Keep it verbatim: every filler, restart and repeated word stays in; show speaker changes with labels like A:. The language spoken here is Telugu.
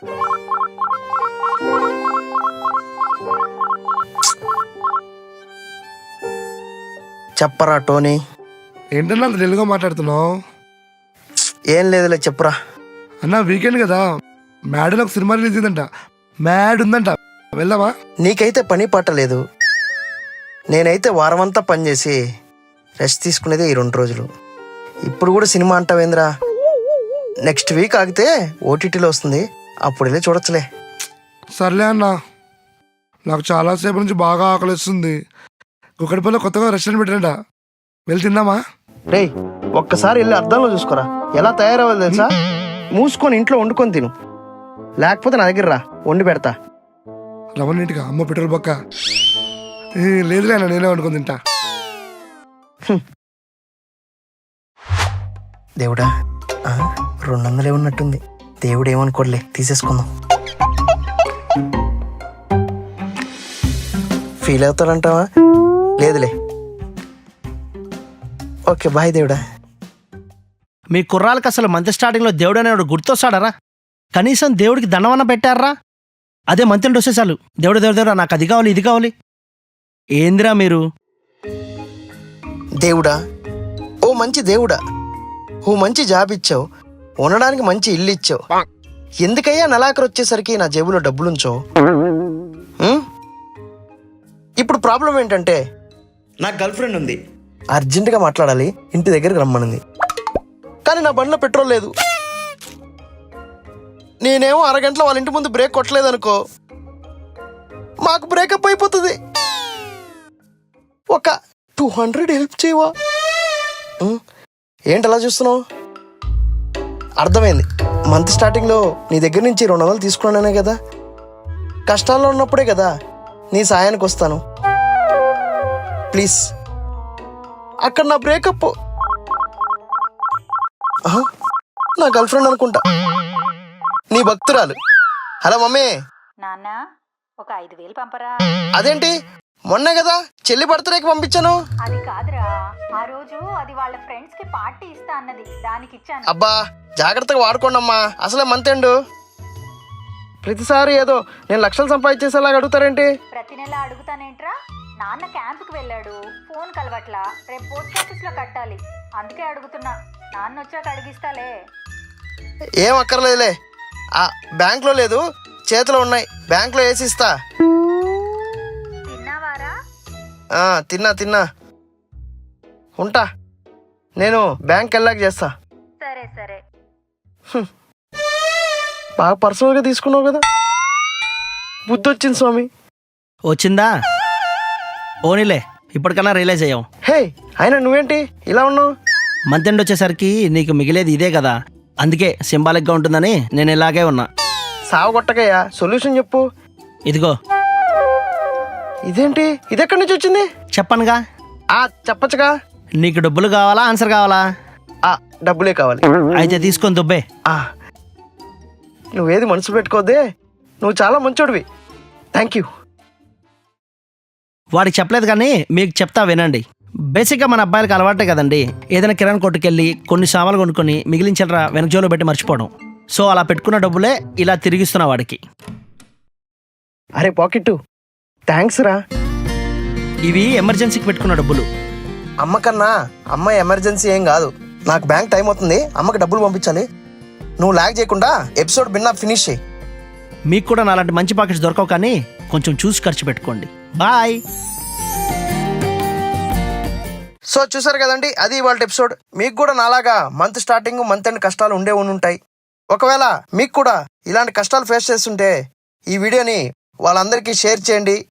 A: చెప్పరా టోనీ.
B: ఏంటన్నా అంత తెలుగుగా మాట్లాడుతున్నావు?
A: ఏం లేదులే చెప్పురా.
B: అన్న వీకెండ్ కదా, మ్యాడ్ ఒక సినిమా రిలీజ్ అయిందంట. మ్యాడ్ ఉందంట, వెళ్దామా?
A: నీకైతే పని పాట లేదు, నేనైతే వారమంతా పనిచేసి రెస్ట్ తీసుకునేదే ఈ రెండు రోజులు. ఇప్పుడు కూడా సినిమా అంటావేంద్రా? నెక్స్ట్ వీక్ ఆగితే ఓటీటీలో వస్తుంది, అప్పుడు వెళ్ళి చూడొచ్చులే.
B: సర్లే అన్న, నాకు చాలాసేపు నుంచి బాగా ఆకలిస్తుంది. కుక్కడిపల్లి కొత్తగా రెస్టారెంట్ పెట్టారంట, వెళ్ళి తిందామా?
A: రేయ్, ఒక్కసారి వెళ్ళి అద్దంలో చూసుకోరా, ఎలా తయారవ్వాలి తెలుసా? మూసుకొని ఇంట్లో వండుకొని తిను, లేకపోతే నా దగ్గర రా, వండి పెడతా.
B: రమణ ఇంటికి అమ్మ పెట్రోల్ బొక్క. లేదులే అన్న, నేనే వండుకొని తింటా.
A: దేవుడా, రెండు వందలే ఉన్నట్టుంది. దేవుడు ఏమనుకోలే, తీసేసుకుందాం. ఫీల్ అవుతాడంటావా? లేదులే. ఓకే బాయ్ దేవుడా.
C: మీ కుర్రాళ్ళకి అసలు మంత్ స్టార్టింగ్లో దేవుడు అనేవాడు గుర్తొస్తాడరా? కనీసం దేవుడికి దండవన్న పెట్టారా? అదే మంత్రులు వస్తే చాలు దేవుడు దేవుడు దేవుడా నాకు అది కావాలి ఇది కావాలి. ఏందిరా మీరు?
A: దేవుడా, ఓ మంచి దేవుడా, ఓ మంచి జాబ్ ఇచ్చావు, ఉండడానికి మంచి ఇల్లు ఇచ్చావు. ఎందుకయ్యా నెలాఖరు వచ్చేసరికి నా జేబులో డబ్బులుంచో? ఇప్పుడు ప్రాబ్లం ఏంటంటే, నాకు గర్ల్ ఫ్రెండ్ ఉంది, అర్జెంటుగా మాట్లాడాలి, ఇంటి దగ్గరికి రమ్మనింది. కానీ నా బండిలో పెట్రోల్ లేదు. నేనేమో అరగంటలో వాళ్ళ ఇంటి ముందు బ్రేక్ కొట్టలేదనుకో, మాకు బ్రేకప్ అయిపోతుంది. ఒక టూ హండ్రెడ్ హెల్ప్ చేయవా? ఏంటి అలా చూస్తున్నావు? అర్థమైంది, మంత్ స్టార్టింగ్లో నీ దగ్గర నుంచి రెండు వందలు తీసుకున్నానే కదా, కష్టాల్లో ఉన్నప్పుడే కదా నీ సాయానికి వస్తాను. ప్లీజ్. అక్కడ నా బ్రేకప్, నా గర్ల్ ఫ్రెండ్ అనుకుంటా, నీ భక్తురాలు. Hello mummy.
D: నాన్న, ఒక ఐదు వేలు పంపరా.
A: అదేంటి, మొన్నే కదా చెల్లి బర్త్డేకి పంపించాను.
D: అది కాదురా, ఆ రోజు అది వాళ్ళ ఫ్రెండ్స్ కి పార్టీ ఇస్తా అన్నది, దానికి ఇచ్చాను.
A: అబ్బా జాగ్రత్తగా వాడుకోండమ్మా, అసలే మంత్ ఎండ్. ప్రతిసారి ఏదో నేను లక్షలు సంపాదించేసేలాగా అడుగుతారేంటి?
D: ప్రతి నెల అడుగుతానేంట్రా? నాన్న క్యాంపుకి వెళ్ళాడు, ఫోన్ కలవట్లా, రేపు పోస్ట్ ఆఫీస్ లో కట్టాలి, అందుకే అడుగుతున్నా. నాన్న వచ్చాక అడిగిస్తాలే.
A: ఏం అక్కర్లేదులే, ఆ బ్యాంక్లో లేదు, చేతిలో ఉన్నాయి, బ్యాంక్లో వేసి ఇస్తా.
D: తిన్నావారా?
A: తిన్నా తిన్నా ఉంటా, నేను బ్యాంక్ వెళ్ళాక చేస్తా.
D: సరే సరే.
A: బాగా పర్సనల్గా తీసుకున్నావు కదా, బుద్ధి వచ్చింది స్వామి.
C: వచ్చిందా? ఓనిలే, ఇప్పటికన్నా రియలైజ్ అయ్యాం.
A: హే అయినా నువ్వేంటి ఇలా ఉన్నావు?
C: మంత్ ఎండ్ వచ్చేసరికి నీకు మిగిలేది ఇదే కదా, అందుకే సింబాలిక్గా ఉంటుందని నేను ఇలాగే ఉన్నా.
A: సాగు కొట్టకయ్యా, సొల్యూషన్ చెప్పు.
C: ఇదిగో.
A: ఇదేంటి, ఇది ఎక్కడి నుంచి వచ్చింది?
C: చెప్పనుగా.
A: ఆ చెప్పచ్చుగా.
C: నీకు డబ్బులు కావాలా, ఆన్సర్ కావాలా?
A: ఆ డబ్బులే కావాలి.
C: అయితే తీసుకొని దుబ్బే.
A: ఆ నువ్వేది మనసు పెట్టుకోదే, నువ్వు చాలా మంచోడివి, థ్యాంక్ యూ.
C: వాడికి చెప్పలేదు కానీ మీకు చెప్తా వినండి. బేసిక్గా మన అబ్బాయిలకు అలవాటే కదండి, ఏదైనా కిరాణా కొట్టుకెళ్ళి కొన్ని సామాన్లు కొనుక్కొని మిగిలించరా వెనక జోలో పెట్టి మర్చిపోవడం. సో అలా పెట్టుకున్న డబ్బులే ఇలా తిరిగిస్తున్నా వాడికి.
A: అరే పాకెట్టు, థ్యాంక్స్ రా.
C: ఇవి ఎమర్జెన్సీకి పెట్టుకున్న డబ్బులు.
A: అమ్మకన్నా అమ్మ ఎమర్జెన్సీ ఏం కాదు, నాకు బ్యాంక్ టైం అవుతుంది, అమ్మకి డబ్బులు పంపించాలి. నువ్వు లాగ్ చేయకుండా ఎపిసోడ్ బిన్నా ఫినిష్ చేయి.
C: మీకు కూడా నాలాంటి మంచి పాకెట్స్ దొరకవు, కానీ కొంచెం చూసి ఖర్చు పెట్టుకోండి. బాయ్.
A: సో చూసారు కదండి, అది ఇవాళ ఎపిసోడ్. మీకు కూడా నాలాగా మంత్ స్టార్టింగ్ మంత్ ఎండ్ కష్టాలు ఉండే ఉంటాయి. ఒకవేళ మీకు కూడా ఇలాంటి కష్టాలు ఫేస్ చేస్తుంటే ఈ వీడియోని వాళ్ళందరికీ షేర్ చేయండి,